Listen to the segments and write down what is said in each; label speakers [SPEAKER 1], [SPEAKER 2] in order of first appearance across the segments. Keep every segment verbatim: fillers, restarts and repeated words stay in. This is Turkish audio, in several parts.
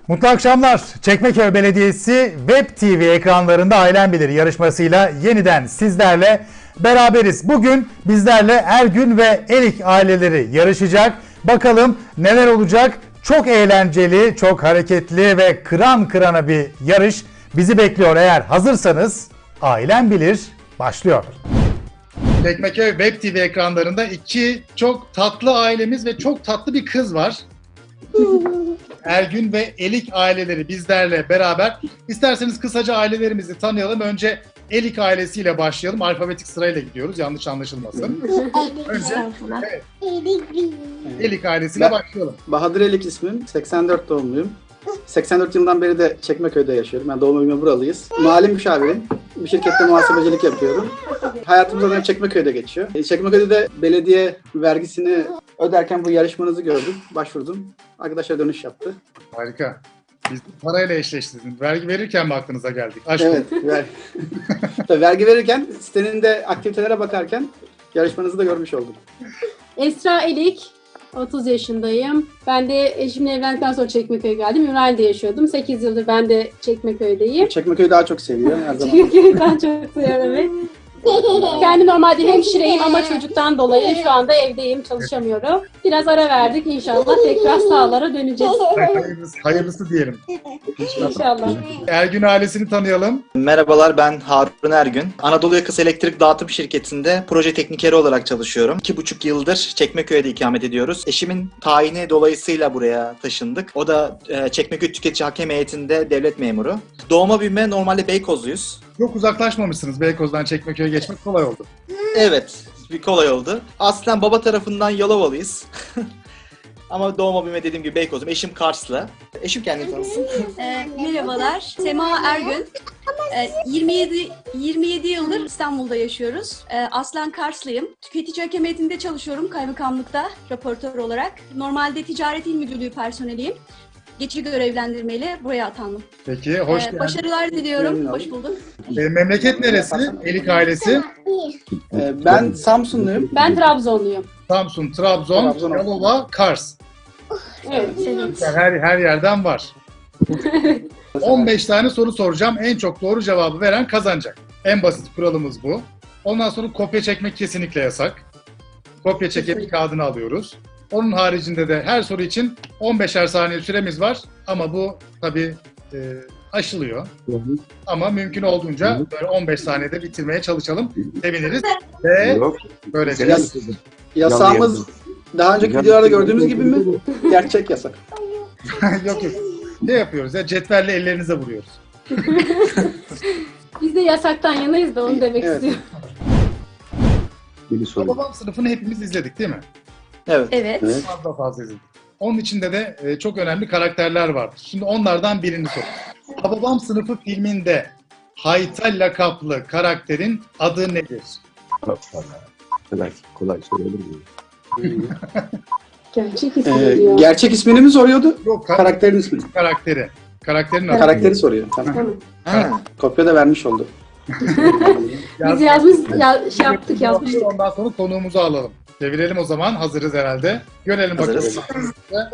[SPEAKER 1] Mutlu akşamlar. Çekmeköy Belediyesi Web T V ekranlarında Ailen Bilir yarışmasıyla yeniden sizlerle beraberiz. Bugün bizlerle Ergün ve Erik aileleri yarışacak. Bakalım neler olacak? Çok eğlenceli, çok hareketli ve kıran kırana bir yarış bizi bekliyor. Eğer hazırsanız Ailen Bilir başlıyor. Çekmeköy Web T V ekranlarında iki çok tatlı ailemiz ve çok tatlı bir kız var. Ergün ve Elik aileleri bizlerle beraber. İsterseniz kısaca ailelerimizi tanıyalım. Önce Elik ailesiyle başlayalım. Alfabetik sırayla gidiyoruz. Yanlış anlaşılmasın. Önce evet, Elik ailesiyle
[SPEAKER 2] Ben-
[SPEAKER 1] başlayalım.
[SPEAKER 2] Bahadır Elik ismim. seksen dört doğumluyum. seksen dört yılından beri de Çekmeköy'de yaşıyorum. Ben doğma büyüme buralıyız. Mali müşavirim. Bir şirkette muhasebecilik yapıyorum. Hayatımız zaten Çekmeköy'de geçiyor. E, Çekmeköy'de de belediye vergisini öderken bu yarışmanızı gördüm. Başvurdum. Arkadaşlar dönüş yaptı.
[SPEAKER 1] Harika. Biz parayla eşleştirdiniz. Vergi verirken mi aklınıza geldik? Aşk
[SPEAKER 2] Evet. Ver... Tabii vergi verirken sitenin de aktivitelere bakarken yarışmanızı da görmüş oldum.
[SPEAKER 3] Esra Elik, otuz yaşındayım. Ben de eşimle evlendikten sonra Çekmeköy'e geldim. Ümraniye'de yaşıyordum. sekiz yıldır ben de Çekmeköy'deyim.
[SPEAKER 2] Çekmeköy'ü daha çok seviyor her zaman.
[SPEAKER 3] Çekmeköy'den çok seviyorum. Evet. Kendim normalde hemşireyim ama çocuktan dolayı şu anda evdeyim, çalışamıyorum. Biraz ara verdik. İnşallah tekrar sahalara döneceğiz.
[SPEAKER 1] Hayırlısı, hayırlısı diyelim.
[SPEAKER 3] İnşallah.
[SPEAKER 1] Ergün ailesini tanıyalım.
[SPEAKER 4] Merhabalar, ben Harun Ergün. Anadolu Yakası Elektrik Dağıtım Şirketi'nde proje teknikeri olarak çalışıyorum. İki buçuk yıldır Çekmeköy'de ikamet ediyoruz. Eşimin tayini dolayısıyla buraya taşındık. O da e, Çekmeköy Tüketici Hakem Heyeti'nde devlet memuru. Doğma büyüme normalde Beykozluyuz.
[SPEAKER 1] Çok uzaklaşmamışsınız. Beykoz'dan Çekmeköy'e geçmek kolay oldu.
[SPEAKER 4] Evet, bir kolay oldu. Aslen baba tarafından Yalovalıyız. Ama doğma büyüme dediğim gibi Beykoz'um. Eşim Karslı. Eşim kendini tanısın.
[SPEAKER 5] E, merhabalar, Sema Ergün. E, yirmi yedi yirmi yedi yıldır İstanbul'da yaşıyoruz. E, aslen Karslıyım. Tüketici Hakem Heyeti'nde çalışıyorum kaymakamlıkta raportör olarak. Normalde Ticaret İl Müdürlüğü personeliyim. Geçici görevlendirmeyle buraya atandım.
[SPEAKER 1] Peki, hoş
[SPEAKER 5] E,
[SPEAKER 1] geldin.
[SPEAKER 5] başarılar diliyorum.
[SPEAKER 2] Memnun
[SPEAKER 5] Hoş
[SPEAKER 2] oldum.
[SPEAKER 5] bulduk.
[SPEAKER 1] E, memleket neresi? Elik ailesi.
[SPEAKER 2] E, ben Samsunluyum.
[SPEAKER 3] Ben Trabzonluyum.
[SPEAKER 1] Samsun, Trabzon,
[SPEAKER 2] Trabzon.
[SPEAKER 1] Yalova, Kars.
[SPEAKER 3] Evet.
[SPEAKER 1] Yani her, her yerden var. on beş tane soru soracağım. En çok doğru cevabı veren kazanacak. En basit kuralımız bu. Ondan sonra kopya çekmek kesinlikle yasak. Kopya çekip kağıdını alıyoruz. Onun haricinde de her soru için on beşer saniye süremiz var. Ama bu tabii e, aşılıyor. Ama mümkün olduğunca böyle on beş saniyede bitirmeye çalışalım. Seviniriz. Ve
[SPEAKER 6] Yok.
[SPEAKER 1] böylece
[SPEAKER 2] Yas- Yasağımız daha önceki videolarda gördüğümüz gibi mi? Gerçek yasak.
[SPEAKER 1] yok yok. Ne yapıyoruz ya? Cetvelle ellerinize vuruyoruz.
[SPEAKER 3] Biz de yasaktan yanayız da onu demek
[SPEAKER 2] Evet.
[SPEAKER 3] istiyorum.
[SPEAKER 6] Bir soru.
[SPEAKER 1] Babam sınıfını hepimiz izledik değil mi?
[SPEAKER 4] Evet.
[SPEAKER 5] Evet.
[SPEAKER 2] Evet.
[SPEAKER 1] Fazla fazla izledik. Onun içinde de e, çok önemli karakterler vardır. Şimdi onlardan birini sor. Hababam Sınıfı filminde Hayta lakaplı karakterin adı nedir?
[SPEAKER 6] Kolay, kolay söylenir mi?
[SPEAKER 3] Gerçek
[SPEAKER 2] Ee,
[SPEAKER 3] ismi diyor.
[SPEAKER 2] gerçek ismini mi soruyordu?
[SPEAKER 1] Yok, kar-
[SPEAKER 2] Karakterin ismini.
[SPEAKER 1] karakteri. Karakterin adı.
[SPEAKER 2] Karakteri soruyor. Tamam.
[SPEAKER 3] Tamam.
[SPEAKER 4] Ha.
[SPEAKER 2] Kopya da vermiş oldu.
[SPEAKER 3] Biz yazmış, ya, şey yaptık, yazmıştık.
[SPEAKER 1] Ondan sonra konuğumuzu alalım. Çevirelim o zaman. Hazırız herhalde. Görelim
[SPEAKER 4] Hazırız.
[SPEAKER 1] bakalım.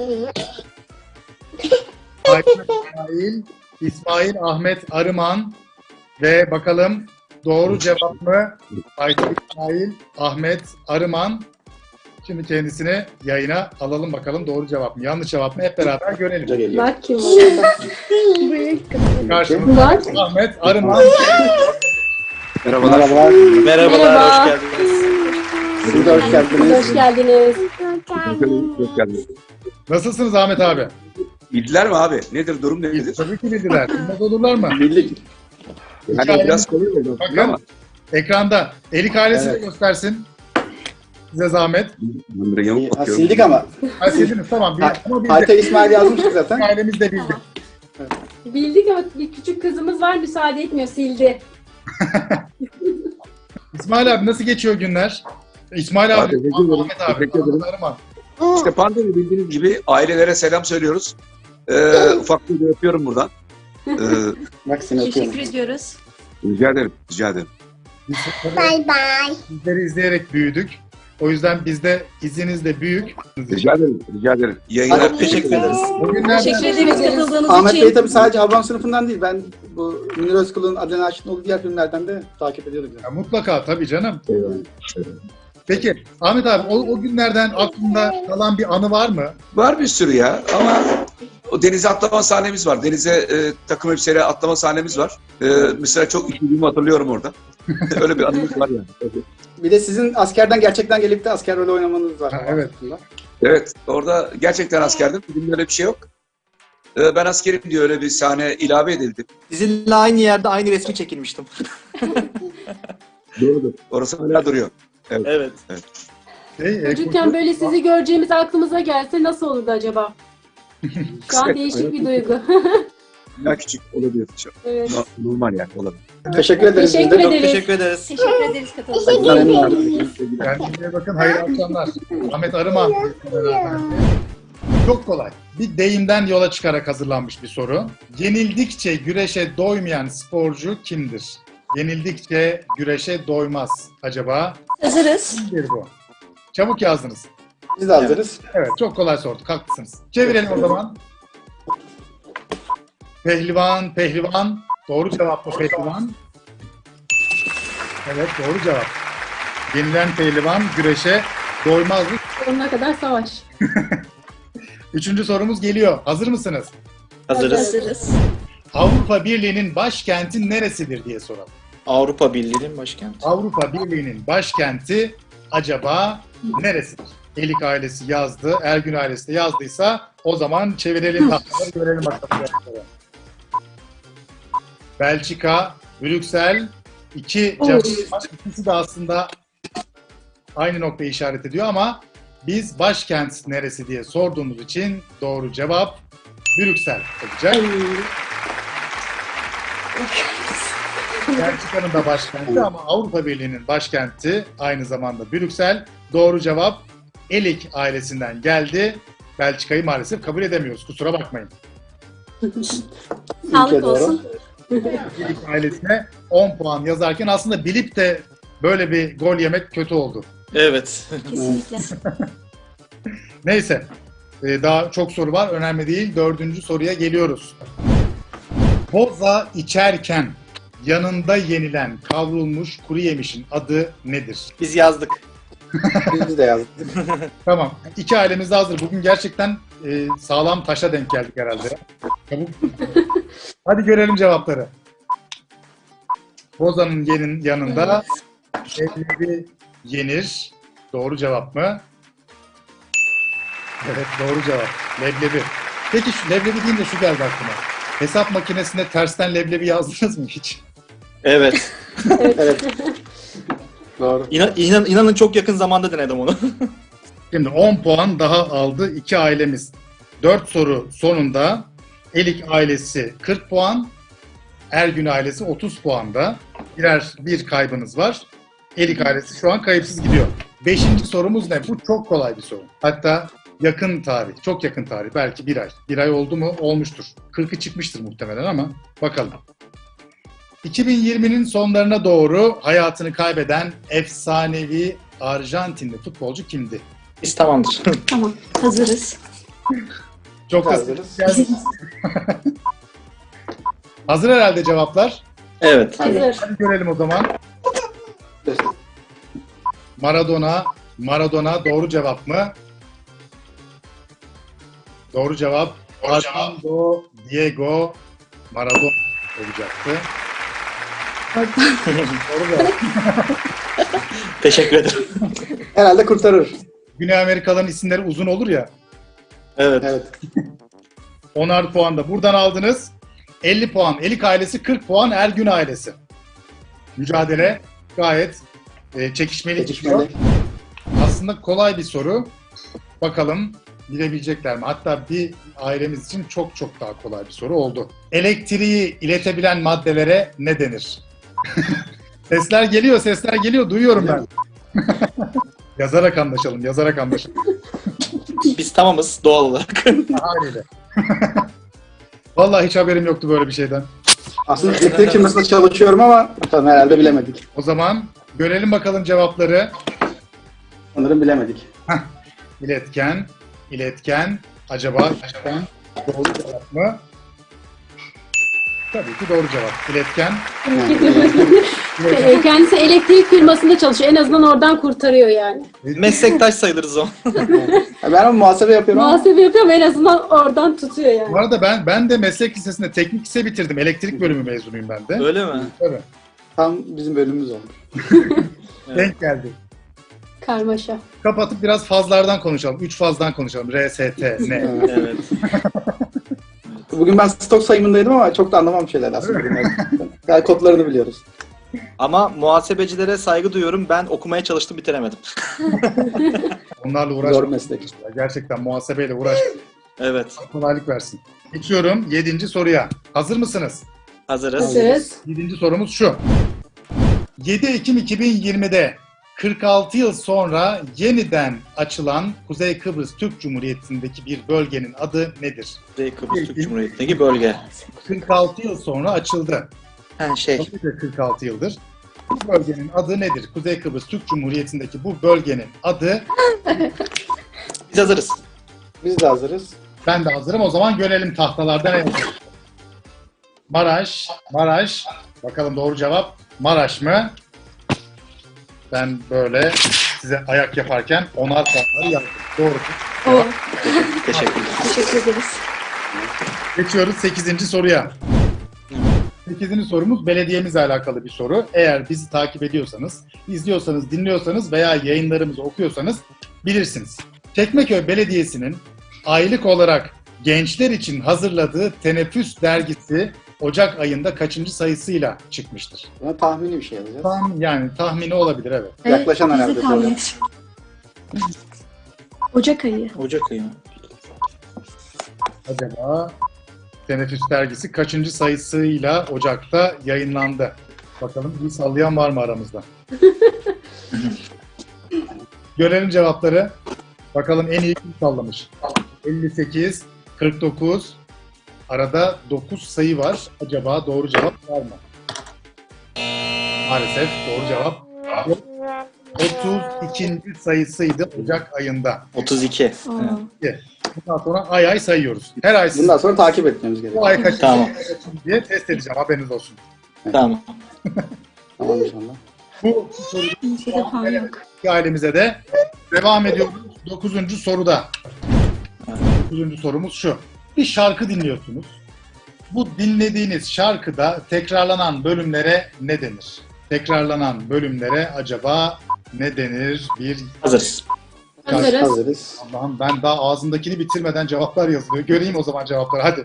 [SPEAKER 1] Ayşe İsmail, İsmail Ahmet Arıman ve bakalım doğru cevap mı? Ayşe İsmail Ahmet Arıman. Şimdi kendisini yayına alalım bakalım doğru cevap mı? Yanlış cevap mı? Hep beraber görelim.
[SPEAKER 2] Hoca geliyor.
[SPEAKER 3] Bak kim var orada.
[SPEAKER 1] Karşımızda
[SPEAKER 3] Var.
[SPEAKER 1] Ahmet Arıman.
[SPEAKER 6] Merhabalar.
[SPEAKER 2] Merhabalar.
[SPEAKER 4] Merhabalar,
[SPEAKER 3] Merhaba.
[SPEAKER 4] hoş geldiniz.
[SPEAKER 2] Siz de hoş geldiniz.
[SPEAKER 3] Hoş geldiniz.
[SPEAKER 6] Hoş geldiniz.
[SPEAKER 1] Nasılsınız Ahmet abi?
[SPEAKER 6] Bildiler mi abi? Nedir, durum nedir?
[SPEAKER 1] Tabii ki bildiler. Bilmez olurlar mı?
[SPEAKER 2] Bildik.
[SPEAKER 6] Yani biraz kolay oldu.
[SPEAKER 1] Bakın.
[SPEAKER 6] Ama
[SPEAKER 1] Ekranda. Elik ailesini
[SPEAKER 2] Evet.
[SPEAKER 1] göstersin. Size zahmet.
[SPEAKER 6] ben böyle yamuk
[SPEAKER 2] Ha,
[SPEAKER 6] bakıyorum.
[SPEAKER 2] sildik ama.
[SPEAKER 1] Ha, sildiniz tamam.
[SPEAKER 2] Ha-
[SPEAKER 1] Bil, ama bildik.
[SPEAKER 2] Hayta İsmail yazmıştık zaten.
[SPEAKER 1] Ailemiz de bildi.
[SPEAKER 3] Bildik ama bir küçük kızımız var, müsaade etmiyor, sildi.
[SPEAKER 1] İsmail abi nasıl geçiyor günler? İsmail abi,
[SPEAKER 6] Abi, teşekkür ederim.
[SPEAKER 1] Ahmet abi,
[SPEAKER 6] Teşekkür ederim.
[SPEAKER 1] Ahmet Arıman.
[SPEAKER 6] İşte pandemi bildiğiniz gibi ailelere selam söylüyoruz. Ee, ufak bir de öpüyorum buradan. Ee,
[SPEAKER 2] Bak seni öpüyorum.
[SPEAKER 5] Teşekkür ediyoruz.
[SPEAKER 6] rica ederim, rica ederim.
[SPEAKER 1] Biz bye bye. Sizleri izleyerek büyüdük. O yüzden bizde iziniz de büyük.
[SPEAKER 6] Rica ederim. Rica ederim. İyi yayınlar.
[SPEAKER 4] Çok teşekkür ederiz.
[SPEAKER 1] Bugünlerden
[SPEAKER 5] Teşekkür ederiz katıldığınız
[SPEAKER 2] Ahmet
[SPEAKER 5] için.
[SPEAKER 2] Bey tabii sadece Habban sınıfından değil. Ben bu Münir Özkul'un Adnan Aşık'ın diğer filmlerden de takip ediyordum.
[SPEAKER 1] Ya mutlaka tabii canım.
[SPEAKER 6] Eyvallah.
[SPEAKER 1] Peki Ahmet abi o, o günlerden aklında kalan bir anı var mı?
[SPEAKER 6] Var bir sürü ya ama o denize atlama sahnemiz var. Denize e, takım elbiseyle atlama sahnemiz var. E, mesela çok üşüdüğümü hatırlıyorum orada. Öyle bir anımız var yani.
[SPEAKER 2] Bir de sizin askerden gerçekten gelip de asker rolü oynamanız var.
[SPEAKER 1] Ha, evet.
[SPEAKER 6] Evet, orada gerçekten askerdim. Filmde öyle bir şey yok. E, ben askerim diye öyle bir sahne ilave edildi.
[SPEAKER 4] Sizinle aynı yerde aynı resmi çekilmiştim.
[SPEAKER 6] Doğrudur. Orası hala duruyor.
[SPEAKER 4] Evet.
[SPEAKER 1] Şey, e,
[SPEAKER 3] Çocukken böyle sizi göreceğimiz aklımıza gelse nasıl olurdu acaba? Şu an değişik bir duygu.
[SPEAKER 6] Daha küçük olabilir.
[SPEAKER 3] Evet.
[SPEAKER 6] No- Normal yani olabilir.
[SPEAKER 2] Teşekkür ederiz.
[SPEAKER 3] Teşekkür
[SPEAKER 2] biz de.
[SPEAKER 4] Çok
[SPEAKER 3] ederiz.
[SPEAKER 4] teşekkür ederiz.
[SPEAKER 5] Teşekkür ederiz katıldığınız için.
[SPEAKER 2] Memnun oldum.
[SPEAKER 1] Kendinize bakın. Hayırlı akşamlar. Ahmet Arıman. Çok kolay. Bir deyimden yola çıkarak hazırlanmış bir soru. Yenildikçe güreşe doymayan sporcu kimdir? Yenildikçe güreşe doymaz. Acaba
[SPEAKER 5] Hazırız.
[SPEAKER 1] kimdir bu? Çabuk yazdınız.
[SPEAKER 2] Biz de hazırız.
[SPEAKER 1] Evet, çok kolay sorduk. Haklısınız. Çevirelim o zaman. Pehlivan, pehlivan. Doğru cevap mı pehlivan? Evet, doğru cevap. Yenilen pehlivan güreşe doymazdı.
[SPEAKER 3] Sonuna kadar savaş.
[SPEAKER 1] Üçüncü sorumuz geliyor. Hazır mısınız?
[SPEAKER 4] Hazırız.
[SPEAKER 5] Hazırız.
[SPEAKER 1] Avrupa Birliği'nin başkenti neresidir diye soralım.
[SPEAKER 4] Avrupa Birliği'nin başkenti.
[SPEAKER 1] Avrupa Birliği'nin başkenti acaba neresidir? Elik ailesi yazdı, Ergün ailesi de yazdıysa o zaman çevirelim tahtaları, görelim bakalım. Belçika, Brüksel, iki cevap var. İkisi de aslında aynı noktayı işaret ediyor ama biz başkent neresi diye sorduğumuz için doğru cevap Brüksel olacak. Belçika'nın da başkenti ama Avrupa Birliği'nin başkenti aynı zamanda Brüksel. Doğru cevap Elik ailesinden geldi. Belçika'yı maalesef kabul edemiyoruz. Kusura bakmayın.
[SPEAKER 5] Sağlık
[SPEAKER 2] doğru.
[SPEAKER 5] olsun.
[SPEAKER 1] Elik ailesine on puan yazarken aslında bilip de böyle bir gol yemek kötü oldu.
[SPEAKER 4] Evet.
[SPEAKER 5] Kesinlikle.
[SPEAKER 1] Neyse. Ee, daha çok soru var. Önemli değil. Dördüncü soruya geliyoruz. Boza içerken yanında yenilen kavrulmuş kuru yemişin adı nedir?
[SPEAKER 4] Biz yazdık.
[SPEAKER 2] Biz de yazdık.
[SPEAKER 1] Tamam. İki ailemiz de hazır. Bugün gerçekten e, sağlam taşa denk geldik herhalde. Çabuk. Hadi görelim cevapları. Boza'nın yenin yanında leblebi yenir. Doğru cevap mı? Evet, doğru cevap. Leblebi. Peki şu leblebi deyince şu geldi aklıma. Hesap makinesinde tersten leblebi yazdınız mı hiç?
[SPEAKER 4] Evet.
[SPEAKER 2] Evet. Doğru.
[SPEAKER 4] İnan, inan, inanın çok yakın zamanda denedim onu.
[SPEAKER 1] Şimdi on puan daha aldı iki ailemiz. dört soru sonunda Elik ailesi kırk puan, Ergün ailesi otuz puanda. Birer bir kaybınız var. Elik ailesi şu an kayıpsız gidiyor. Beşinci sorumuz ne? Bu çok kolay bir soru. Hatta yakın tarih, çok yakın tarih. Belki bir ay. Bir ay oldu mu? Olmuştur. kırkı çıkmıştır muhtemelen ama bakalım. iki bin yirminin sonlarına doğru hayatını kaybeden efsanevi Arjantinli futbolcu kimdi?
[SPEAKER 4] Biz tamamdır.
[SPEAKER 5] Tamam. Hazırız.
[SPEAKER 1] Çok
[SPEAKER 2] Hazırız.
[SPEAKER 1] hazır. Hazır herhalde cevaplar.
[SPEAKER 4] Evet.
[SPEAKER 3] Hazır.
[SPEAKER 1] Hadi görelim o zaman. Maradona, Maradona doğru cevap mı? Doğru cevap. Armando Diego Maradona olacaktı. Doğru cevap.
[SPEAKER 4] Teşekkür ederim.
[SPEAKER 2] Herhalde kurtarır.
[SPEAKER 1] Güney Amerikalıların isimleri uzun olur ya.
[SPEAKER 4] Evet.
[SPEAKER 2] Evet.
[SPEAKER 1] onar puan da buradan aldınız. elli puan. Elik ailesi, kırk puan Ergün ailesi. Mücadele gayet e, çekişmeli gidiyor.
[SPEAKER 2] Çekişmeli.
[SPEAKER 1] Aslında kolay bir soru. Bakalım bilebilecekler mi? Hatta bir ailemiz için çok çok daha kolay bir soru oldu. Elektriği iletebilen maddelere ne denir? Sesler geliyor, sesler geliyor. Duyuyorum ben. Yazarak anlaşalım, yazarak anlaşalım.
[SPEAKER 4] Biz tamamız doğal olarak.
[SPEAKER 1] Haliyle. Vallahi hiç haberim yoktu böyle bir şeyden.
[SPEAKER 2] Aslında elektrik firmasında çalışıyorum ama bakalım herhalde bilemedik.
[SPEAKER 1] O zaman görelim bakalım cevapları.
[SPEAKER 2] Sanırım bilemedik.
[SPEAKER 1] İletken, iletken. Acaba iletken doğru cevap mı? Tabii ki doğru cevap. İletken.
[SPEAKER 3] Ee, Kendisi elektrik firmasında çalışıyor. En azından oradan kurtarıyor yani.
[SPEAKER 4] Meslektaş sayılırız o.
[SPEAKER 2] Ya ben ama muhasebe yapıyorum ama
[SPEAKER 3] Muhasebe yapıyor ama en azından oradan tutuyor yani.
[SPEAKER 1] Bu arada ben ben de meslek lisesinde teknik lise bitirdim. Elektrik bölümü mezunuyum ben de.
[SPEAKER 4] Öyle mi?
[SPEAKER 1] Tabii.
[SPEAKER 2] tam bizim bölümümüz olmuş.
[SPEAKER 4] Evet.
[SPEAKER 1] Denk geldi.
[SPEAKER 3] Karmaşa.
[SPEAKER 1] Kapatıp biraz fazlardan konuşalım. Üç fazdan konuşalım. R, S, T, ne?
[SPEAKER 2] Evet.
[SPEAKER 4] Evet.
[SPEAKER 2] Bugün ben stok sayımındaydım ama çok da anlamam şeyler aslında. Yani kodlarını biliyoruz.
[SPEAKER 4] Ama muhasebecilere saygı duyuyorum. Ben okumaya çalıştım, bitiremedim.
[SPEAKER 1] Onlarla
[SPEAKER 2] Zor
[SPEAKER 1] uğraşmak.
[SPEAKER 2] meslek.
[SPEAKER 1] Gerçekten muhasebeyle uğraş.
[SPEAKER 4] Evet.
[SPEAKER 1] Kolaylık versin. Geçiyorum yedinci soruya. Hazır mısınız?
[SPEAKER 4] Hazırız.
[SPEAKER 3] Hazırız.
[SPEAKER 1] Yedinci sorumuz şu. yedi Ekim iki bin yirmide kırk altı yıl sonra yeniden açılan Kuzey Kıbrıs Türk Cumhuriyeti'ndeki bir bölgenin adı nedir?
[SPEAKER 4] Kuzey Kıbrıs Türk Cumhuriyeti'ndeki bölge.
[SPEAKER 1] kırk altı yıl sonra açıldı.
[SPEAKER 4] Ha şey.
[SPEAKER 1] Tabii ki kırk altı yıldır. Bu bölgenin adı nedir? Kuzey Kıbrıs Türk Cumhuriyeti'ndeki bu bölgenin adı.
[SPEAKER 4] Biz hazırız.
[SPEAKER 2] Biz de hazırız.
[SPEAKER 1] Ben de hazırım. O zaman görelim tahtalarda ne yazıyor. Maraş, Maraş. Bakalım doğru cevap Maraş mı? Ben böyle size ayak yaparken onar puanları yazdım. Doğru.
[SPEAKER 3] O.
[SPEAKER 4] Teşekkürler.
[SPEAKER 5] Teşekkür ederiz.
[SPEAKER 1] Geçiyoruz sekizinci soruya. sekizinci sorumuz belediyemizle alakalı bir soru. Eğer bizi takip ediyorsanız, izliyorsanız, dinliyorsanız veya yayınlarımızı okuyorsanız bilirsiniz. Çekmeköy Belediyesi'nin aylık olarak gençler için hazırladığı Teneffüs dergisi Ocak ayında kaçıncı sayısıyla çıkmıştır?
[SPEAKER 2] Buna tahmini bir şey yazacağız.
[SPEAKER 1] Tahmin, yani tahmini olabilir evet.
[SPEAKER 2] Yaklaşan
[SPEAKER 5] Biz de
[SPEAKER 2] herhalde.
[SPEAKER 5] tahmin
[SPEAKER 2] böyle.
[SPEAKER 5] ettik. Ocak ayı.
[SPEAKER 4] Ocak ayı.
[SPEAKER 1] Acaba Teneffüs dergisi kaçıncı sayısıyla Ocak'ta yayınlandı? Bakalım bir sallayan var mı aramızda? Görelim cevapları. Bakalım en iyi kim sallamış? elli sekiz, kırk dokuz. Arada dokuz sayı var. Acaba doğru cevap var mı? Maalesef doğru cevap yok. otuz ikinci sayısıydı Ocak ayında.
[SPEAKER 4] otuz iki.
[SPEAKER 5] Aa.
[SPEAKER 1] Bundan sonra ay ay sayıyoruz. Her ay siz
[SPEAKER 2] Bundan sonra takip etmemiz
[SPEAKER 1] bu
[SPEAKER 2] gerekiyor.
[SPEAKER 1] ay kaçıncı
[SPEAKER 4] Tamam.
[SPEAKER 1] diye test edeceğim. Haberiniz olsun.
[SPEAKER 4] Tamam.
[SPEAKER 2] Tamam inşallah.
[SPEAKER 1] Bu soruyu
[SPEAKER 5] Bizde de puan yok.
[SPEAKER 1] ailemize de devam ediyoruz. Dokuzuncu soruda. Dokuzuncu sorumuz şu. Bir şarkı dinliyorsunuz. Bu dinlediğiniz şarkıda tekrarlanan bölümlere ne denir? Tekrarlanan bölümlere acaba ne denir? Bir
[SPEAKER 4] Hazırız.
[SPEAKER 3] Hazırız.
[SPEAKER 2] Hazırız.
[SPEAKER 1] Allah'ım ben daha ağzımdakini bitirmeden cevaplar yazılıyor. Göreyim o zaman cevapları hadi.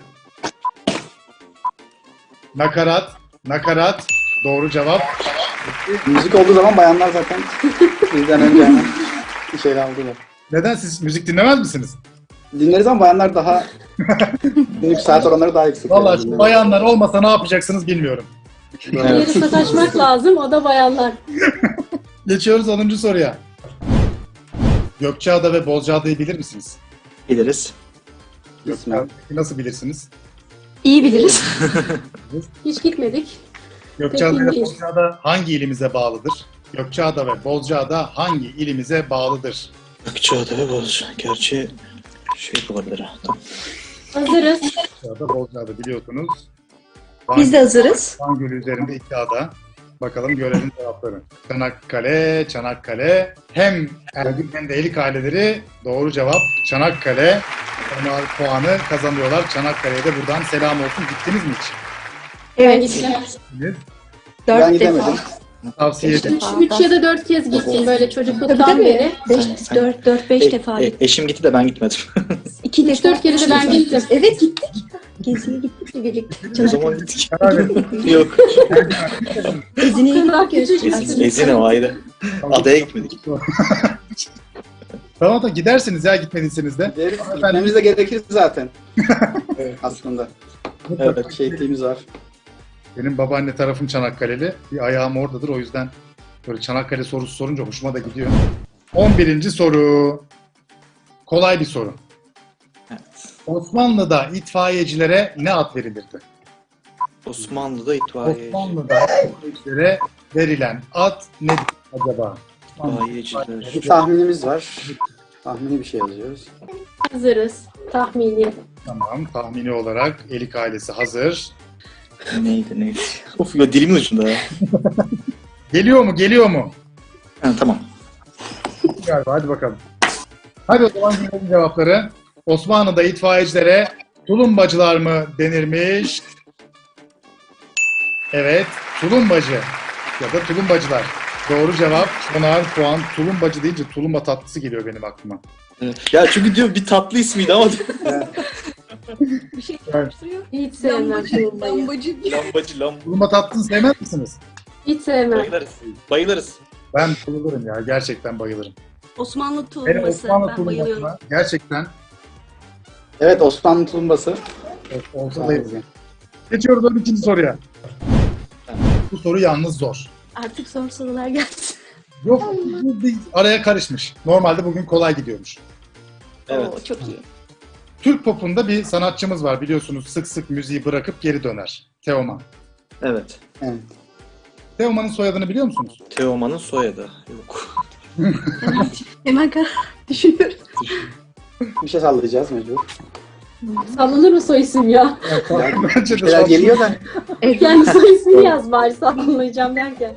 [SPEAKER 1] Nakarat, nakarat. Doğru cevap.
[SPEAKER 2] Müzik olduğu zaman bayanlar zaten bizden önce hemen bir şeyler aldılar.
[SPEAKER 1] Neden siz müzik dinlemez misiniz?
[SPEAKER 2] Dinleriz ama bayanlar daha günlük saat oranları daha yüksek.
[SPEAKER 1] Vallahi
[SPEAKER 2] Yani
[SPEAKER 1] şu bayanlar olmasa ne yapacaksınız bilmiyorum.
[SPEAKER 3] Yeri sataşmak lazım. O da bayanlar.
[SPEAKER 1] Geçiyoruz onuncu soruya. Gökçeada ve Bozcaada'yı bilir misiniz?
[SPEAKER 4] Biliriz.
[SPEAKER 2] İsmen.
[SPEAKER 1] Nasıl bilirsiniz?
[SPEAKER 5] İyi biliriz.
[SPEAKER 3] Hiç gitmedik.
[SPEAKER 1] Gökçeada ve
[SPEAKER 3] Peki,
[SPEAKER 1] Bozcaada hangi ilimize bağlıdır? Gökçeada ve Bozcaada hangi ilimize bağlıdır?
[SPEAKER 4] Gökçeada ve Bozca. Gerçi şey olabilir ha. Tamam.
[SPEAKER 3] Hazırız.
[SPEAKER 1] Gökçeada, Bozcaada biliyorsunuz.
[SPEAKER 5] Biz de hazırız.
[SPEAKER 1] Van Gölü üzerinde iki ada. Bakalım görelim cevapları. Çanakkale, Çanakkale. Hem Ergün hem de Elik aileleri doğru cevap Çanakkale. Onlar puanı kazanıyorlar. Çanakkale'ye de buradan selam olsun. Gittiniz mi hiç?
[SPEAKER 3] Ben
[SPEAKER 5] Evet.
[SPEAKER 3] gittim.
[SPEAKER 1] Gittiniz.
[SPEAKER 2] Ben
[SPEAKER 5] Dört
[SPEAKER 2] gidemedim.
[SPEAKER 5] defa.
[SPEAKER 1] Tavsiye ederim.
[SPEAKER 3] Üç, üç ya da dört kez gittim böyle
[SPEAKER 5] Tabii
[SPEAKER 3] çocukluktan
[SPEAKER 5] tabii.
[SPEAKER 3] beri.
[SPEAKER 5] Beş, dört, dört, beş
[SPEAKER 4] E-
[SPEAKER 5] defa
[SPEAKER 4] e-
[SPEAKER 5] gittik.
[SPEAKER 4] eşim gitti de ben gitmedim.
[SPEAKER 5] İki
[SPEAKER 3] Üç
[SPEAKER 5] defa.
[SPEAKER 3] dört kere de ben gittim.
[SPEAKER 5] Evet gittik. Geziye gittik birlikte.
[SPEAKER 4] O zaman gittik.
[SPEAKER 1] Karar verin.
[SPEAKER 4] Yok.
[SPEAKER 5] Ezine'ye
[SPEAKER 3] Kadar
[SPEAKER 5] gittik.
[SPEAKER 3] küçük.
[SPEAKER 4] Ezine, Ezine o ayrı. Adaya gitmedik.
[SPEAKER 1] Tamam da gidersiniz ya gitmediyseniz de.
[SPEAKER 2] Gideriz. Gitmemiz de gerekir zaten. Aslında.
[SPEAKER 4] Evet.
[SPEAKER 2] Şehitliğimiz var.
[SPEAKER 1] Benim babaanne tarafım Çanakkale'li. Bir ayağım oradadır o yüzden böyle Çanakkale sorusu sorunca hoşuma da gidiyor. on birinci soru. Kolay bir soru.
[SPEAKER 4] Evet.
[SPEAKER 1] Osmanlı'da itfaiyecilere ne ad verilirdi?
[SPEAKER 4] Osmanlı'da itfaiye.
[SPEAKER 1] Osmanlı'da itfaiyecilere verilen ad nedir acaba?
[SPEAKER 4] İtfaiyeciler.
[SPEAKER 2] Bir tahminimiz var. Tahmini bir şey yazıyoruz.
[SPEAKER 3] Hazırız. Tahmini.
[SPEAKER 1] Tamam. Tahmini olarak Elik ailesi hazır.
[SPEAKER 4] Neydi neydi? Of ya dilimin ucunda ya.
[SPEAKER 1] Geliyor mu? Geliyor mu?
[SPEAKER 4] Ha, tamam.
[SPEAKER 1] Galiba. Hadi bakalım. Hadi o zaman dinleyelim cevapları. Osmanlı'da itfaiyecilere tulumbacılar mı denirmiş? Evet. Tulumbacı ya da tulumbacılar. Doğru cevap. onar puan. Tulumbacı deyince tulumba tatlısı geliyor benim aklıma.
[SPEAKER 4] Ya çünkü diyor bir tatlı ismiydi ama
[SPEAKER 5] Bir şey
[SPEAKER 1] Evet.
[SPEAKER 5] karıştırıyor.
[SPEAKER 3] Hiç sevmem
[SPEAKER 5] Lambacı,
[SPEAKER 3] tulumbayı.
[SPEAKER 5] lambacı.
[SPEAKER 4] lambacı lam.
[SPEAKER 1] Tulumba tatlısını sevmez misiniz?
[SPEAKER 3] Hiç sevmem.
[SPEAKER 4] Bayılırız. Bayılırız.
[SPEAKER 1] Ben bayılırım ya. Gerçekten bayılırım.
[SPEAKER 5] Osmanlı
[SPEAKER 1] Hele
[SPEAKER 5] tulumbası.
[SPEAKER 1] Osmanlı
[SPEAKER 5] Ben bayılıyorum.
[SPEAKER 1] tulumbasına gerçekten
[SPEAKER 2] Evet, Osmanlı tulumbası.
[SPEAKER 1] olsa da iyi. Geçiyoruz on ikinci soruya. Bu soru yalnız zor.
[SPEAKER 5] Artık zor sorular geldi.
[SPEAKER 1] Yok, bu bir araya karışmış. Normalde bugün kolay gidiyormuş.
[SPEAKER 4] Evet.
[SPEAKER 5] Oo, çok iyi.
[SPEAKER 1] Türk popunda bir sanatçımız var biliyorsunuz, sık sık müziği bırakıp geri döner. Teoman.
[SPEAKER 4] Evet.
[SPEAKER 2] Evet.
[SPEAKER 1] Teoman'ın soyadını biliyor musunuz?
[SPEAKER 4] Teoman'ın soyadı. Yok.
[SPEAKER 5] Hemen karar düşünüyorum.
[SPEAKER 2] Bir şey sallayacağız mecbur.
[SPEAKER 3] Sallanır mı soy isim ya?
[SPEAKER 1] Bence de
[SPEAKER 2] Şeyler
[SPEAKER 1] sağ-
[SPEAKER 2] geliyor da.
[SPEAKER 3] Yani soy ismini yaz bari sallanacağım derken.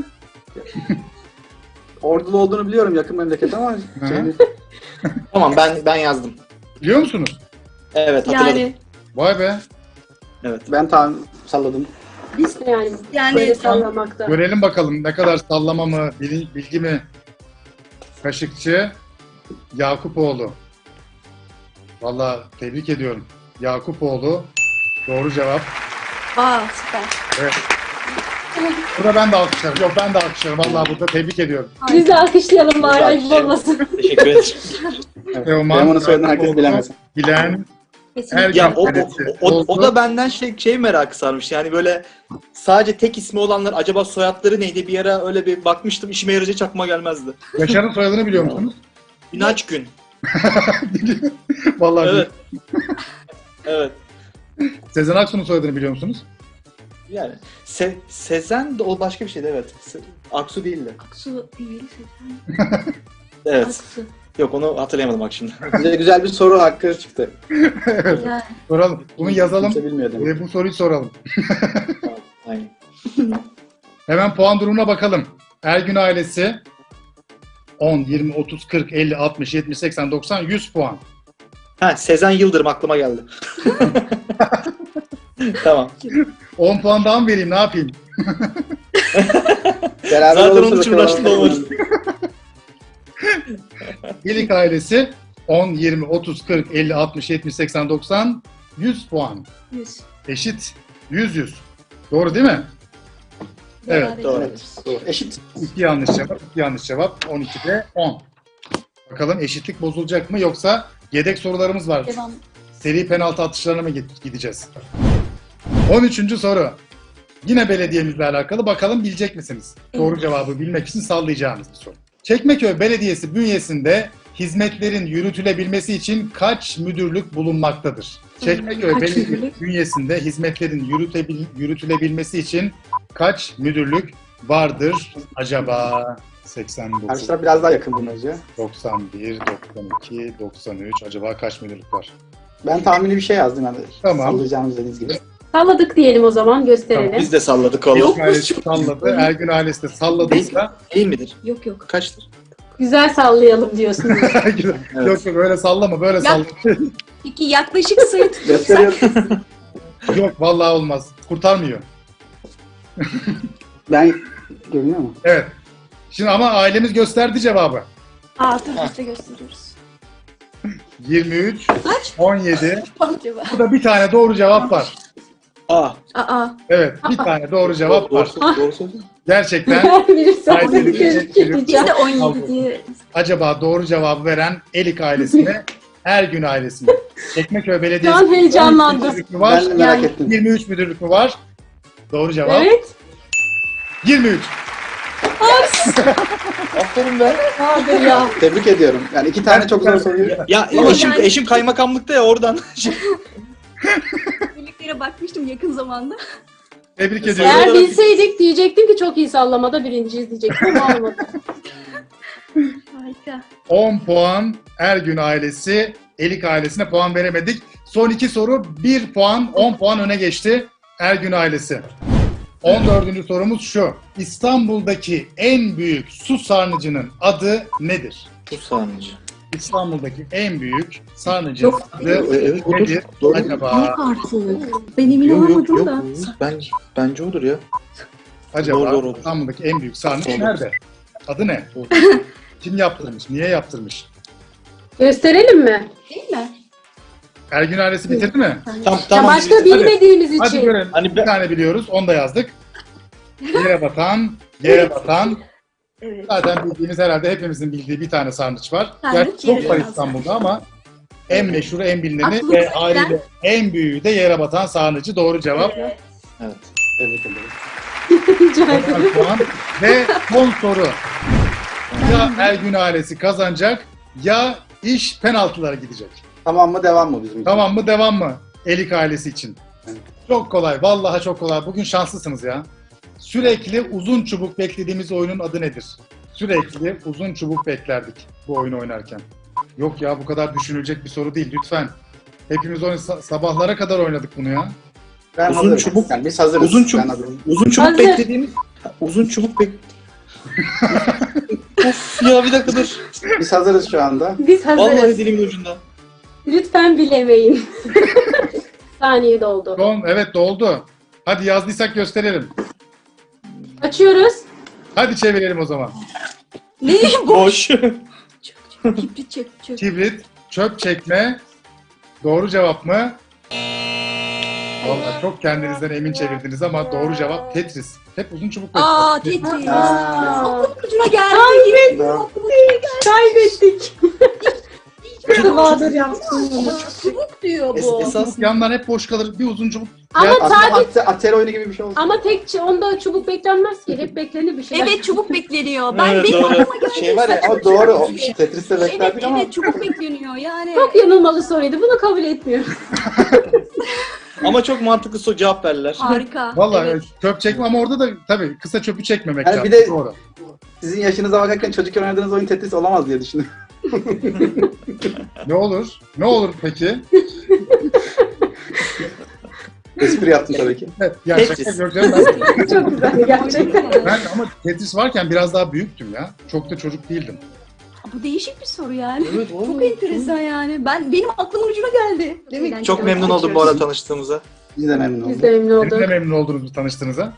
[SPEAKER 2] Ordulu olduğunu biliyorum, yakın memleket ama
[SPEAKER 1] Hı.
[SPEAKER 2] şey,
[SPEAKER 4] Tamam ben ben yazdım.
[SPEAKER 1] Biliyor musunuz?
[SPEAKER 4] Evet hatırladım.
[SPEAKER 5] Yani
[SPEAKER 1] Vay be.
[SPEAKER 4] Evet.
[SPEAKER 2] ben tam salladım.
[SPEAKER 3] Biz de yani,
[SPEAKER 5] Yani
[SPEAKER 3] böyle sallamakta.
[SPEAKER 1] Görelim bakalım ne kadar sallama mı, bil- bilgi mi? Kaşıkçı Yakupoğlu. Vallahi tebrik ediyorum. Yakupoğlu. Doğru cevap.
[SPEAKER 5] aa süper.
[SPEAKER 1] Evet. Burada ben de alkışlarım. Yok ben de alkışlarım. Vallahi burada tebrik ediyorum.
[SPEAKER 3] Biz de alkışlayalım bari
[SPEAKER 4] Biz de
[SPEAKER 3] ayıp
[SPEAKER 4] alkışlayalım.
[SPEAKER 3] olmasın.
[SPEAKER 4] Teşekkür ederim.
[SPEAKER 1] Teoman,
[SPEAKER 2] Teoman'ın soyadını herkes
[SPEAKER 1] Yakupoğlu,
[SPEAKER 2] bilemez.
[SPEAKER 1] Bilen
[SPEAKER 5] Kesinlikle.
[SPEAKER 1] Her-
[SPEAKER 4] Ya o, o,
[SPEAKER 1] Evet,
[SPEAKER 4] o,
[SPEAKER 1] oldu.
[SPEAKER 4] o da benden şey, şey merakı sarmış. Yani böyle sadece tek ismi olanlar acaba soyadları neydi? Bir ara öyle bir bakmıştım. İşime yarayacak aklıma gelmezdi.
[SPEAKER 1] Yaşar'ın soyadını biliyor musunuz?
[SPEAKER 4] İnaç gün.
[SPEAKER 1] Vallahi
[SPEAKER 4] Evet. Evet.
[SPEAKER 1] Sezen Aksu'nun soyadını biliyor musunuz?
[SPEAKER 4] Yani Se Sezen de o başka bir şeydi evet. Se Aksu değildi.
[SPEAKER 5] Aksu değil. Sezen.
[SPEAKER 4] Evet.
[SPEAKER 5] Aksu.
[SPEAKER 4] Yok onu hatırlayamadım bak şimdi.
[SPEAKER 2] Bize güzel bir soru hakkı çıktı.
[SPEAKER 5] Güzel.
[SPEAKER 1] Soralım. Bunu yazalım
[SPEAKER 2] Kimse bilmiyor demek.
[SPEAKER 1] ve bu soruyu soralım.
[SPEAKER 4] Tamam, aynen.
[SPEAKER 1] Hemen puan durumuna bakalım. Ergün ailesi on, yirmi, otuz, kırk, elli, altmış, yetmiş, seksen, doksan, yüz puan.
[SPEAKER 4] Ha Sezen Yıldırım aklıma geldi. Tamam.
[SPEAKER 1] on puan daha mı vereyim ne yapayım?
[SPEAKER 2] Beraber
[SPEAKER 4] Zaten
[SPEAKER 2] olursa
[SPEAKER 4] onun için
[SPEAKER 2] bakalım.
[SPEAKER 4] uğraştım da olmadı.
[SPEAKER 1] İlik ailesi on, yirmi, otuz, kırk, elli, altmış, yetmiş, seksen, doksan, yüz puan.
[SPEAKER 5] Yüz.
[SPEAKER 1] Eşit. yüz yüz. Doğru değil mi? Evet,
[SPEAKER 5] Beraber
[SPEAKER 4] doğru.
[SPEAKER 5] ediyoruz.
[SPEAKER 2] Doğru. Eşit.
[SPEAKER 1] İki yanlış cevap. iki yanlış cevap. on ikide on. Bakalım eşitlik bozulacak mı yoksa yedek sorularımız var.
[SPEAKER 5] Devam.
[SPEAKER 1] Seri penaltı atışlarına mı gid- gideceğiz? on üçüncü soru. Yine belediyemizle alakalı. Bakalım bilecek misiniz? Doğru cevabı bilmek için sallayacağınız bir soru. Çekmeköy Belediyesi bünyesinde hizmetlerin yürütülebilmesi için kaç müdürlük bulunmaktadır? Çekmeköy
[SPEAKER 5] Kaç
[SPEAKER 1] Belediyesi
[SPEAKER 5] müdürlük?
[SPEAKER 1] bünyesinde hizmetlerin yürütebil- yürütülebilmesi için kaç müdürlük vardır acaba? seksen dokuz,
[SPEAKER 2] Arkadaşlar biraz daha yakın bunun önce.
[SPEAKER 1] doksan bir, doksan iki, doksan üç. Acaba kaç müdürlük var?
[SPEAKER 2] Ben tahmini bir şey yazdım yani.
[SPEAKER 1] Tamam.
[SPEAKER 2] Sallayacağımız dediğiniz gibi.
[SPEAKER 3] Salladık diyelim o zaman gösterelim.
[SPEAKER 4] Biz de salladık oğlum.
[SPEAKER 1] Elik ailesi salladı. Ergün ailesi de salladıysa
[SPEAKER 4] Değil midir?
[SPEAKER 5] Yok yok.
[SPEAKER 4] Kaçtır?
[SPEAKER 3] Güzel sallayalım diyorsunuz.
[SPEAKER 1] yok yok öyle sallama böyle salla.
[SPEAKER 5] Peki yaklaşık sayı
[SPEAKER 2] Gösteriyorum.
[SPEAKER 1] Yok vallahi olmaz. Kurtarmıyor.
[SPEAKER 2] Ben görünüyor mu?
[SPEAKER 1] Evet. Şimdi ama ailemiz gösterdi cevabı.
[SPEAKER 5] Aa dur biz de gösteriyoruz.
[SPEAKER 1] yirmi üç,
[SPEAKER 5] Kaç?
[SPEAKER 1] on yedi.
[SPEAKER 5] Acaba.
[SPEAKER 1] Burada bir tane doğru cevap var.
[SPEAKER 4] Aa.
[SPEAKER 5] Aa.
[SPEAKER 1] Evet bir tane doğru cevap
[SPEAKER 4] Doğru,
[SPEAKER 1] var.
[SPEAKER 4] doğru, doğru söyledin.
[SPEAKER 1] Gerçekten
[SPEAKER 3] Her biri salladık
[SPEAKER 1] Ailemiz
[SPEAKER 5] Biz de on
[SPEAKER 1] Aldım.
[SPEAKER 5] yedi diye.
[SPEAKER 1] acaba doğru cevabı veren Elik ailesi mi? Ergün ailesi mi? Çekmeköy Belediyesi.
[SPEAKER 3] Şu an heyecanlandım.
[SPEAKER 1] on üç müdürlük mü var?
[SPEAKER 2] Ben de merak
[SPEAKER 3] Yani-
[SPEAKER 2] ettim.
[SPEAKER 1] yirmi üç müdürlük mü var? Doğru cevap.
[SPEAKER 3] Evet.
[SPEAKER 1] yirmi üç.
[SPEAKER 4] Aferin be.
[SPEAKER 3] Vardır ya.
[SPEAKER 2] Tebrik ediyorum. Yani iki tane çok zor soruyu.
[SPEAKER 4] Ya
[SPEAKER 5] Ama
[SPEAKER 4] eşim,
[SPEAKER 5] yani-
[SPEAKER 4] eşim kaymakamlıkta ya oradan.
[SPEAKER 5] Birliklere bakmıştım yakın zamanda.
[SPEAKER 1] Tebrik ediyorum.
[SPEAKER 3] Eğer bilseydik diyecektim ki çok iyi sallamada birinciyiz diyecektim ama olmadı.
[SPEAKER 5] Harika.
[SPEAKER 1] on puan Ergün ailesi, Elik ailesine puan veremedik. Son iki soru bir puan, on puan öne geçti Ergün ailesi. on dördüncü sorumuz şu. İstanbul'daki en büyük su sarnıcının adı nedir?
[SPEAKER 4] Bu sarnıcı.
[SPEAKER 1] İstanbul'daki en büyük sarnıcının adı
[SPEAKER 4] Evet, odur.
[SPEAKER 1] nedir
[SPEAKER 4] Doğru.
[SPEAKER 1] acaba?
[SPEAKER 5] Artık. Ben emin
[SPEAKER 4] Yok yok
[SPEAKER 5] olamadım
[SPEAKER 4] yok.
[SPEAKER 5] da.
[SPEAKER 4] Bence, bence odur ya.
[SPEAKER 1] Acaba
[SPEAKER 4] Doğru, doğru.
[SPEAKER 1] İstanbul'daki en büyük sarnıç
[SPEAKER 4] Doğru.
[SPEAKER 1] nerede? Adı ne?
[SPEAKER 4] Doğru.
[SPEAKER 1] Kim yaptırmış? Niye yaptırmış?
[SPEAKER 3] Gösterelim mi?
[SPEAKER 5] Değil mi?
[SPEAKER 1] Ergün ailesi bitirdi mi?
[SPEAKER 4] Tam,
[SPEAKER 3] Ya
[SPEAKER 4] tamam.
[SPEAKER 3] başka
[SPEAKER 1] Hadi.
[SPEAKER 3] bilmediğimiz
[SPEAKER 1] Hadi
[SPEAKER 3] için.
[SPEAKER 1] görelim.
[SPEAKER 4] Hani
[SPEAKER 1] Bir
[SPEAKER 4] ben-
[SPEAKER 1] tane biliyoruz. Onu da yazdık. Yere batan, yere batan.
[SPEAKER 5] Evet.
[SPEAKER 1] Zaten bildiğimiz, herhalde hepimizin bildiği bir tane sarnıç var.
[SPEAKER 5] Sarnıç,
[SPEAKER 1] Gerçi çok
[SPEAKER 5] yere
[SPEAKER 1] var
[SPEAKER 5] batan
[SPEAKER 1] İstanbul'da ama en meşhuru, en bilineni
[SPEAKER 5] Aklımıza
[SPEAKER 1] ve
[SPEAKER 5] gelen-
[SPEAKER 1] haliyle en büyüğü de yere batan sarnıcı. Doğru cevap.
[SPEAKER 5] Evet.
[SPEAKER 4] Evet.
[SPEAKER 2] Tebrik ederim.
[SPEAKER 3] Rica ederim.
[SPEAKER 1] doksan puan. Ve son soru. Ya Ergün ailesi kazanacak ya iş penaltılara gidecek.
[SPEAKER 2] Tamam mı devam mı bizim için?
[SPEAKER 1] Tamam mı, devam mı? Elik ailesi için.
[SPEAKER 2] Evet.
[SPEAKER 1] Çok kolay. Vallahi çok kolay. Bugün şanslısınız ya. Sürekli uzun çubuk beklediğimiz oyunun adı nedir? Sürekli uzun çubuk beklerdik bu oyunu oynarken. Yok ya, bu kadar düşünülecek bir soru değil lütfen. Hepimiz oyun, sa- sabahlara kadar oynadık bunu ya.
[SPEAKER 2] Ben
[SPEAKER 4] Uzun
[SPEAKER 2] hazırım.
[SPEAKER 4] çubuk-
[SPEAKER 2] Yani biz hazırız.
[SPEAKER 4] Uzun çubuk-
[SPEAKER 2] Ben hazırım.
[SPEAKER 4] Uzun çubuk
[SPEAKER 3] Hazır.
[SPEAKER 4] beklediğimiz... Uzun çubuk bek... Of ya, bir dakika dur.
[SPEAKER 2] Biz hazırız şu anda.
[SPEAKER 3] Biz
[SPEAKER 4] Vallahi
[SPEAKER 3] hazırız.
[SPEAKER 4] dilimin ucunda.
[SPEAKER 3] Lütfen bilemeyin. Saniye doldu.
[SPEAKER 1] Son, evet doldu. Hadi yazdıysak gösterelim.
[SPEAKER 3] Açıyoruz.
[SPEAKER 1] Hadi çevirelim o zaman.
[SPEAKER 5] Ne?
[SPEAKER 4] Boş.
[SPEAKER 5] Kibrit çek, çek.
[SPEAKER 1] Kibrit, çöp çekme. Doğru cevap mı? Vallahi çok kendinizden emin çevirdiniz ama doğru cevap Tetris. Hep uzun çubuk
[SPEAKER 5] Aa,
[SPEAKER 1] bekliyoruz.
[SPEAKER 5] Tetris.
[SPEAKER 2] Aa.
[SPEAKER 5] Aklımın ucuna geldi.
[SPEAKER 2] Doğru.
[SPEAKER 3] Kaybettik. Bahadır yaptım bunu.
[SPEAKER 5] Çubuk diyor
[SPEAKER 4] Es-
[SPEAKER 5] bu.
[SPEAKER 4] esas
[SPEAKER 1] Yanlar hep boş kalır. Bir uzun çubuk.
[SPEAKER 3] Ama
[SPEAKER 1] Ya,
[SPEAKER 2] Aslında
[SPEAKER 3] sadece
[SPEAKER 2] ate- atel oyunu gibi bir şey oldu.
[SPEAKER 3] ama tek ç- onda çubuk beklenmez ki. Hep beklenir bir şey.
[SPEAKER 5] Evet, çubuk bekleniyor. Ben
[SPEAKER 4] Evet,
[SPEAKER 5] benim
[SPEAKER 4] doğru.
[SPEAKER 5] aklıma geldi.
[SPEAKER 4] Şey var ya,
[SPEAKER 2] Ama doğru. O Tetris'te
[SPEAKER 5] Evet,
[SPEAKER 2] beklerdik ama
[SPEAKER 5] evet, çubuk bekleniyor yani.
[SPEAKER 3] Çok yanılmalı soruydu. Bunu kabul etmiyorum.
[SPEAKER 4] ama çok mantıklı so cevap verdiler.
[SPEAKER 5] Harika.
[SPEAKER 1] Vallahi
[SPEAKER 5] Evet.
[SPEAKER 1] çöp çekme ama orada da tabii kısa çöpü çekmemek
[SPEAKER 2] Yani
[SPEAKER 1] lazım.
[SPEAKER 2] bir de-
[SPEAKER 1] Doğru.
[SPEAKER 2] sizin yaşınıza bakarken çocukken oynadığınız oyun Tetris olamaz diye düşünüyorum.
[SPEAKER 1] Ne olur? Ne olur peki?
[SPEAKER 2] Espri yaptım tabii ki.
[SPEAKER 1] Evet, ya
[SPEAKER 4] Tetris.
[SPEAKER 1] şaka yok canım, ben,
[SPEAKER 3] Çok güzel gerçekten.
[SPEAKER 1] ben ama Tetris varken biraz daha büyüktüm ya. Çok da çocuk değildim.
[SPEAKER 5] Bu değişik bir soru yani.
[SPEAKER 4] Evet,
[SPEAKER 5] Çok
[SPEAKER 4] vallahi.
[SPEAKER 5] enteresan yani. Ben benim aklımın ucuna geldi. Değil mi?
[SPEAKER 4] Çok memnun oldum bu arada tanıştığımıza.
[SPEAKER 2] Biz de memnun
[SPEAKER 3] Biz
[SPEAKER 2] olduk.
[SPEAKER 3] de memnun
[SPEAKER 1] Siz de
[SPEAKER 3] olduk.
[SPEAKER 1] memnun oldunuz bu tanıştığınıza.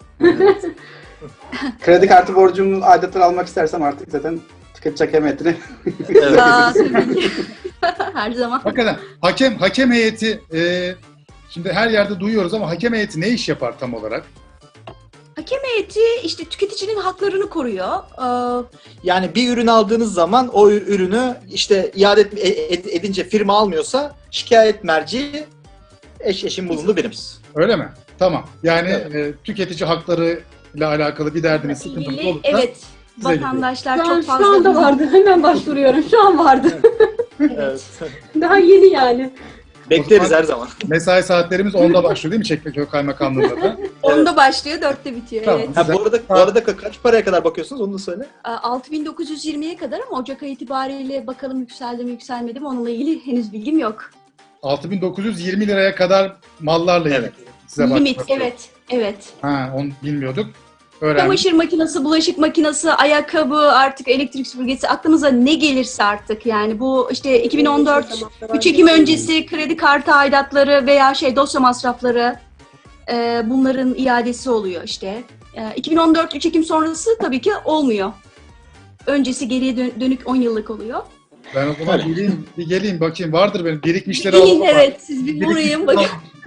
[SPEAKER 2] Kredi kartı borcumun aidatları almak istersem artık zaten tüketici hakametini.
[SPEAKER 4] Evet.
[SPEAKER 5] Aa, tabii ki. Her zaman.
[SPEAKER 1] Hakikaten hakem hakem heyeti e, şimdi her yerde duyuyoruz ama hakem heyeti ne iş yapar tam olarak?
[SPEAKER 5] Hakem heyeti işte tüketicinin haklarını koruyor. Ee,
[SPEAKER 4] Yani bir ürün aldığınız zaman o ür- ürünü işte iade et- ed- edince firma almıyorsa şikayet merci eş eşin bulunduğu birim.
[SPEAKER 1] Öyle mi? Tamam. Yani
[SPEAKER 4] Evet.
[SPEAKER 1] e, tüketici hakları ile alakalı bir derdiniz, sıkıntınız
[SPEAKER 5] ilgili,
[SPEAKER 1] olursa
[SPEAKER 5] evet.
[SPEAKER 1] size gidiyor.
[SPEAKER 5] Vatandaşlar
[SPEAKER 3] Şu, an,
[SPEAKER 5] çok
[SPEAKER 3] şu
[SPEAKER 5] fazla...
[SPEAKER 3] anda vardı. Hemen başvuruyorum. Şu an vardı.
[SPEAKER 4] Evet.
[SPEAKER 3] Daha yeni yani.
[SPEAKER 4] Bekleriz her zaman.
[SPEAKER 1] Mesai saatlerimiz onda başlıyor değil mi Çekmeköy Kaymakamlığı'nda da?
[SPEAKER 5] Onda başlıyor, dörtte bitiyor.
[SPEAKER 1] Tamam.
[SPEAKER 5] Evet.
[SPEAKER 4] Ha, bu arada bu arada ka- kaç paraya kadar bakıyorsunuz onu da söyle.
[SPEAKER 5] altı bin dokuz yüz yirmiye kadar ama Ocak ayı itibariyle bakalım yükseldi mi yükselmedi mi onunla ilgili henüz bilgim yok.
[SPEAKER 1] altı bin dokuz yüz yirmi liraya kadar mallarla ilgili
[SPEAKER 4] Evet.
[SPEAKER 1] size
[SPEAKER 5] Limit,
[SPEAKER 1] başvuruyor.
[SPEAKER 5] evet, evet.
[SPEAKER 1] Ha, onu bilmiyorduk. Öğrendik.
[SPEAKER 5] Çamaşır makinesi, bulaşık makinesi, ayakkabı, artık elektrik süpürgesi, aklımıza ne gelirse artık yani bu işte iki bin on dört üç Ekim öncesi kredi kartı aidatları veya şey dosya masrafları e, bunların iadesi oluyor işte. E, iki bin on dört üç Ekim sonrası tabii ki olmuyor. Öncesi geriye dön- dönük on yıllık oluyor.
[SPEAKER 1] Ben o zaman
[SPEAKER 4] Öyle.
[SPEAKER 1] geleyim, bir geleyim bakayım. Vardır benim birikmişleri
[SPEAKER 5] İyi,
[SPEAKER 1] alalım. ama.
[SPEAKER 5] evet siz bir
[SPEAKER 1] Birikmiş-
[SPEAKER 5] uğrayın bakın.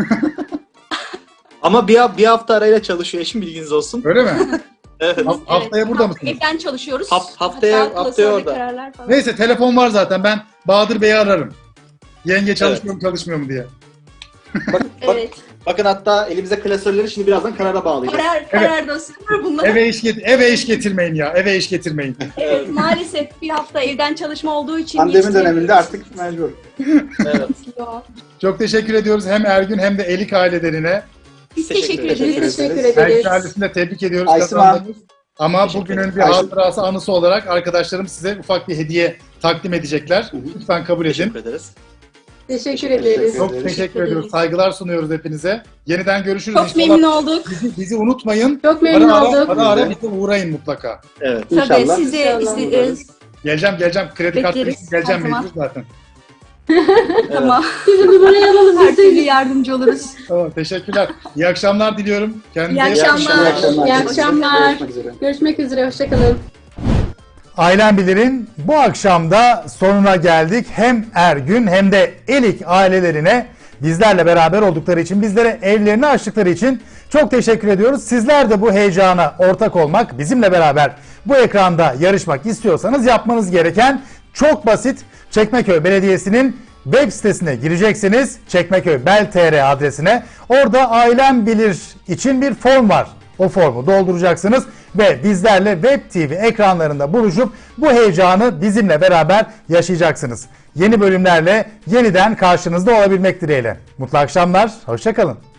[SPEAKER 4] Ama bir, bir hafta arayla çalışıyor eşim, bilginiz olsun.
[SPEAKER 1] Öyle mi?
[SPEAKER 4] Evet.
[SPEAKER 1] Ha- haftaya burada mısınız?
[SPEAKER 5] Evden çalışıyoruz.
[SPEAKER 4] Haf- haftaya-
[SPEAKER 5] Hatta
[SPEAKER 4] haftaya
[SPEAKER 5] klasörde
[SPEAKER 4] orada.
[SPEAKER 5] kararlar falan.
[SPEAKER 1] Neyse telefon var zaten. Ben Bahadır Bey'i ararım. Yenge çalışmıyor mu çalışmıyor mu diye.
[SPEAKER 4] Bak, bak,
[SPEAKER 5] Evet.
[SPEAKER 4] bakın hatta elimize klasörleri şimdi birazdan karara bağlayacağız.
[SPEAKER 5] Karar, karar dosyaları bunlar.
[SPEAKER 1] Eve iş, get eve iş getirmeyin ya. Eve iş getirmeyin.
[SPEAKER 5] Evet, maalesef bir hafta evden çalışma olduğu için
[SPEAKER 2] Pandemi
[SPEAKER 5] yetiştiremiyoruz.
[SPEAKER 2] döneminde artık mecbur.
[SPEAKER 4] Evet.
[SPEAKER 5] Yok.
[SPEAKER 1] Çok teşekkür ediyoruz hem Ergün hem de Elik ailelerine.
[SPEAKER 5] Biz
[SPEAKER 4] Teşekkür
[SPEAKER 5] teşekkür
[SPEAKER 4] ederiz.
[SPEAKER 5] ederiz.
[SPEAKER 3] Biz teşekkür
[SPEAKER 2] ederiz.
[SPEAKER 3] ederiz.
[SPEAKER 1] Ergün ailesini de tebrik ediyoruz.
[SPEAKER 2] Aysima.
[SPEAKER 1] Kazandınız. Ama
[SPEAKER 4] Teşekkür
[SPEAKER 1] bugünün
[SPEAKER 4] ederim.
[SPEAKER 1] bir hatırası, anısı olarak arkadaşlarım size ufak bir hediye takdim edecekler. Lütfen kabul edin.
[SPEAKER 4] Teşekkür ederiz.
[SPEAKER 3] Teşekkür
[SPEAKER 4] Teşekkür
[SPEAKER 3] ederiz.
[SPEAKER 4] ederiz.
[SPEAKER 1] Çok teşekkür ediyoruz. Saygılar sunuyoruz hepinize. Yeniden görüşürüz.
[SPEAKER 5] Çok
[SPEAKER 1] İnşallah
[SPEAKER 5] memnun olduk.
[SPEAKER 1] Bizi, bizi unutmayın.
[SPEAKER 3] Çok memnun
[SPEAKER 1] ara,
[SPEAKER 3] olduk.
[SPEAKER 1] Ara ara bize uğrayın mutlaka.
[SPEAKER 4] Evet.
[SPEAKER 5] Tabii
[SPEAKER 2] İnşallah.
[SPEAKER 5] siz de
[SPEAKER 3] İnşallah.
[SPEAKER 5] iste- e,
[SPEAKER 1] Geleceğim geleceğim. Kredi kartı
[SPEAKER 5] Bekleriz,
[SPEAKER 1] için geleceğim
[SPEAKER 5] her zaman.
[SPEAKER 1] mecbur zaten.
[SPEAKER 5] tamam.
[SPEAKER 3] Bizim numarayı alalım.
[SPEAKER 5] Her
[SPEAKER 3] Biz de
[SPEAKER 5] türlü yardımcı oluruz.
[SPEAKER 1] Tamam, teşekkürler. İyi akşamlar diliyorum. Kendinize
[SPEAKER 5] İyi
[SPEAKER 1] iyi bakın.
[SPEAKER 5] akşamlar.
[SPEAKER 3] İyi akşamlar.
[SPEAKER 2] Görüşmek üzere.
[SPEAKER 3] Görüşmek üzere. Hoşçakalın.
[SPEAKER 1] Ailem Bilir'in bu akşamda sonuna geldik. Hem Ergün hem de Elik ailelerine bizlerle beraber oldukları için, bizlere evlerini açtıkları için çok teşekkür ediyoruz. Sizler de bu heyecana ortak olmak, bizimle beraber bu ekranda yarışmak istiyorsanız yapmanız gereken çok basit. Çekmeköy Belediyesi'nin web sitesine gireceksiniz. Çekmeköy Bel nokta tr adresine. Orada Ailem Bilir için bir form var. O formu dolduracaksınız ve bizlerle Web T V ekranlarında buluşup bu heyecanı bizimle beraber yaşayacaksınız. Yeni bölümlerle yeniden karşınızda olabilmek dileğiyle. Mutlu akşamlar, hoşça kalın.